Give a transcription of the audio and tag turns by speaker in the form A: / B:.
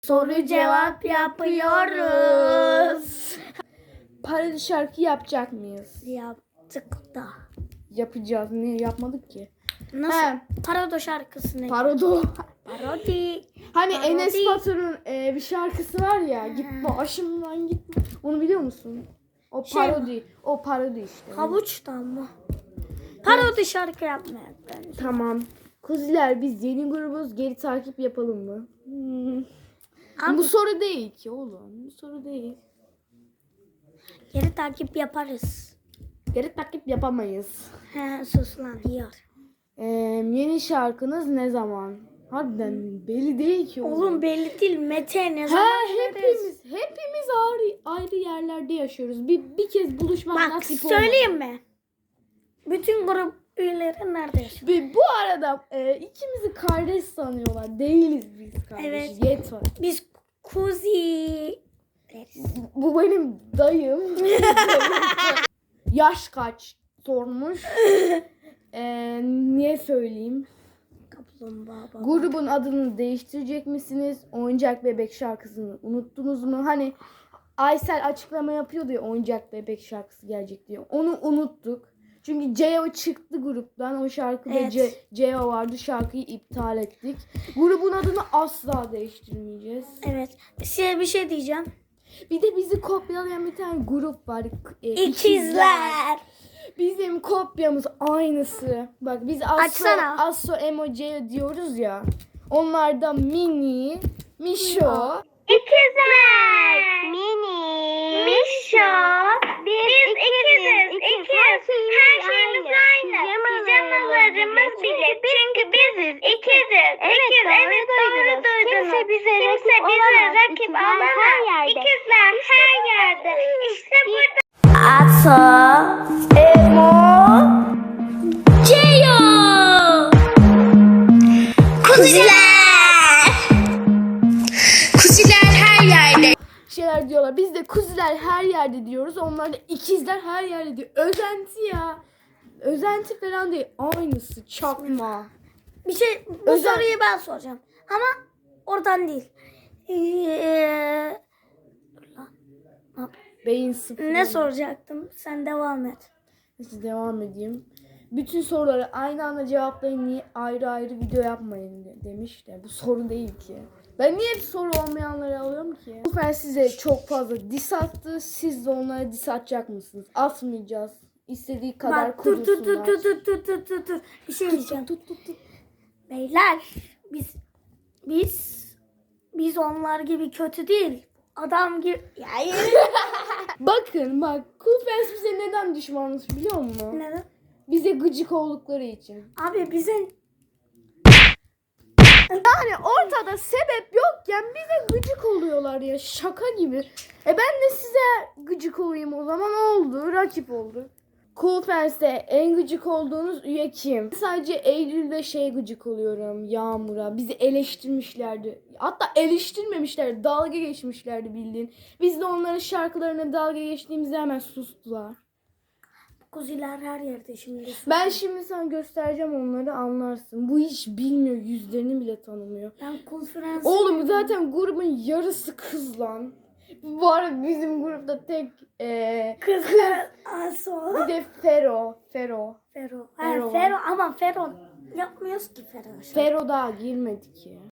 A: Soru cevap yapıyoruz.
B: Parodi şarkı yapacak mıyız?
A: Yaptık da.
B: Yapacağız. Niye yapmadık ki?
A: Nasıl?
B: He.
A: Parodi şarkısını.
B: Parodi.
A: Parodi.
B: Hani
A: Parodi.
B: Enes Batur'un bir şarkısı var ya. Gitme başımdan gitme. Onu biliyor musun? O parodi. O parodi işte.
A: Havuçtan mı? Parodi şarkı yapmaya bence.
B: Tamam. Kuziler biz yeni grubuz. Geri takip yapalım mı?
A: Ama
B: Bu soru değil ki oğlum. Bu soru değil.
A: geri takip yaparız.
B: Geri takip yapamayız.
A: He sus lan yiyor.
B: Yeni şarkınız ne zaman? Harbiden belli değil ki oğlum.
A: Oğlum belli değil. Mete ne
B: He,
A: zaman veririz?
B: hepimiz ayrı yerlerde yaşıyoruz. Bir kez buluşmak
A: Bak
B: nasip olmadı.
A: söyleyeyim mi? Bütün grup üyeleri nerede yaşıyor?
B: Bu arada ikimizi kardeş sanıyorlar. Değiliz biz kardeş.
A: Evet.
B: Yet var.
A: Biz kuzi deriz.
B: Bu benim dayım. Yaş kaç sormuş. Niye söyleyeyim?
A: Kaplumbağa baba.
B: Grubun adını değiştirecek misiniz? Oyuncak Bebek şarkısını unuttunuz mu? Hani Aysel açıklama yapıyordu ya Oyuncak Bebek şarkısı gelecek diye. Onu unuttuk. Çünkü Ceo çıktı gruptan. O şarkıda
A: Evet.
B: Ceo vardı. Şarkıyı iptal ettik. Grubun adını asla değiştirmeyeceğiz.
A: Evet. Size bir şey diyeceğim.
B: Bir de bizi kopyalayan bir tane grup var.
A: İkizler.
B: Bizim kopyamız aynısı. Bak biz
A: Açsana.
B: Asso Emoji diyoruz ya. Onlar da Mini, Mişo.
C: İkizler. Mini. Mişo. Biz ikiziz. İkiz. Her şeyimiz aynı. Pijamalarımız bile. Çünkü biziz. İkiziz. İkiz. Evet doğru duydunuz. Kimse bize rakip olamaz. İkizler her yerde. İşte burada.
A: Ato. Emo. Ceo. Kuziler. Kuziler her yerde.
B: Şeyler diyorlar. Biz de kuziler her yerde diyoruz. Onlar da ikizler her yerde diyor. Özenti ya. Özenti falan değil. Aynısı. Çakma.
A: Bir şey bu soruyu ben soracağım. Ama oradan değil.
B: Beyin sıfır.
A: Ne soracaktım? Sen devam et.
B: Neyse devam edeyim. Bütün soruları aynı anda cevaplayın. Niye ayrı ayrı video yapmayın demiş de. Bu soru değil ki. Ben niye hep soru olmayanları alıyorum ki? Bu sefer size çok fazla diss attı. Siz de onlara diss atacak mısınız? Atmayacağız. İstediği kadar
A: Bak dur.
B: kudursunlar.
A: Bir şey diyeceğim.
B: Tut.
A: Beyler biz onlar gibi kötü değil. Adam gibi. Ya
B: Bakın bak. Cool Fans bize neden düşmanmış biliyor musun?
A: neden?
B: Bize gıcık oldukları için.
A: Abi bizim
B: Yani ortada sebep yokken bize gıcık oluyorlar ya. Şaka gibi. Ben de size gıcık olayım o zaman oldu. Rakip oldu. Cool Fans'te en gıcık olduğunuz üye kim? Sadece Eylül ve gıcık oluyorum. Yağmur'a. Bizi eleştirmişlerdi. Hatta eleştirmemişlerdi. Dalga geçmişlerdi bildiğin. Biz de onların şarkılarına dalga geçtiğimizde hemen sustular.
A: kuziler her yerde şimdi.
B: Ben şimdi sana göstereceğim onları anlarsın. Bu hiç bilmiyor. Yüzlerini bile tanımıyor.
A: Ben konferans.
B: Oğlum zaten grubun yarısı kız lan. Bu arada bizim grupta tek
A: Kızlar Aso.
B: bir de Fero.
A: Fero.
B: Fero.
A: Fero ama Fero yapmıyoruz ki Fero.
B: Fero daha girmedi ki.